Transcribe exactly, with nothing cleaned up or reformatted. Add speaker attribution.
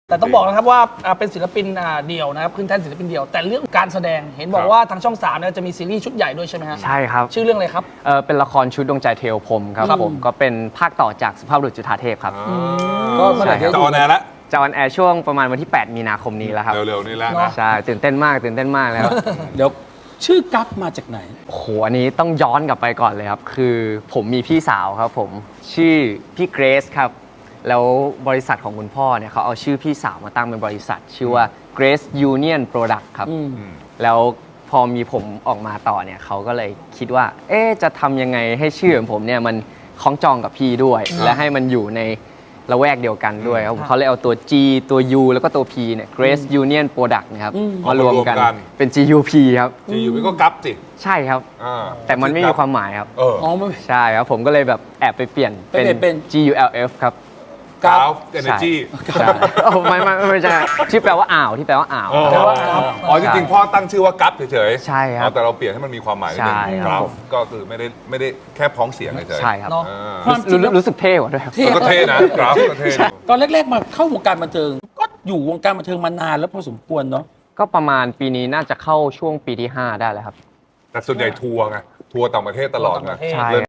Speaker 1: แต่ต้องบอกนะครับว่าเป็นศิลปินเดี่ยวนะครับขึ้นแท่นศิลปินเดี่ยวแต่เรื่องการแสดงเห็นบอกว่าทางช่องสามเนี่ยจะมีซีรีส์ชุดใหญ่ด้วยใช่ไหมฮะ
Speaker 2: ใช่ครับ
Speaker 1: ชื่อเรื่องอะไรครับ
Speaker 2: เออเป็นละครชุดดวงใจเทวพรหมครับผมก็เป็นภาคต่อจากสุภาพบุรุษจุฑาเทพครับ
Speaker 3: ก็เมื่อไหร่จะออนแอร์ละ
Speaker 2: จะออนแอร์ช่วงประมาณวันที่แปดมีนาคมนี้แล้วครับ
Speaker 3: เร็วๆนี่แล้วนะ
Speaker 2: ใช่ตื่นเต้นมากตื่นเต้นมากแล้ว
Speaker 4: เดี๋ยวชื่อกั๊กมาจากไหน
Speaker 2: โอ้โหอันนี้ต้องย้อนกลับไปก่อนเลยครับคือผมมีพี่สาวครับผมชื่อพี่เกรซครับแล้วบริษัทของคุณพ่อเนี่ยเขาเอาชื่อพี่สาวมาตั้งเป็นบริษัทชื่อว่า Grace Union Product ครับแล้วพอมีผมออกมาต่อเนี่ยเขาก็เลยคิดว่าเอ๊ะจะทำยังไงให้ชื่อของผมเนี่ยมันคล้องจองกับพี่ด้วยและให้มันอยู่ในละแวกเดียวกันด้วยครับเขาเลยเอาตัว G ตัว U แล้วก็ตัว P เนี่ย Grace Union Product นะครับมารวมกันเป็น จี ยู พี ครับ
Speaker 3: จี ยู พี ก็กั๊บสิ
Speaker 2: ใช่ครับแต่มันไม่มีความหมายครับ
Speaker 4: อ๋อ
Speaker 2: ใช่ครับผมก็เลยแบบแอบไปเปลี่ยนเป็น จี ยู แอล เอฟ ครับ
Speaker 3: กราฟเอเนจี
Speaker 2: โอ้ไม่ไม่ไม่ใช่ที่แปลว่าอ่าวที่แปลว่าอ่าว
Speaker 3: แปลว่าอ่าวอ๋อจริงๆพ่อตั้งชื่อว่ากั๊บเฉย
Speaker 2: ๆใช่ครับ
Speaker 3: แต่เราเปลี่ยนให้มันมีความหมายนิดนึงกราฟก็คือไม่ได้ไม่ได้แค่พ้องเสียงเฉย
Speaker 2: ๆใช่ครับ
Speaker 4: ความจริง
Speaker 2: รู้สึกเท่กว่าด้วยครับ
Speaker 3: ก็เท่นะกราฟก็เท่
Speaker 4: ตอนแรกๆมาเข้าวงการบันเทิงก็อยู่วงการบันเทิงมานานแล้วพอสมควรเนาะ
Speaker 2: ก็ประมาณปีนี้น่าจะเข้าช่วงปีที่ห้าได้แล้วครับ
Speaker 3: แต่ส่วนใหญ่ทัวร์ไงทัวร์ต่างประเทศตลอดไง
Speaker 2: ใช่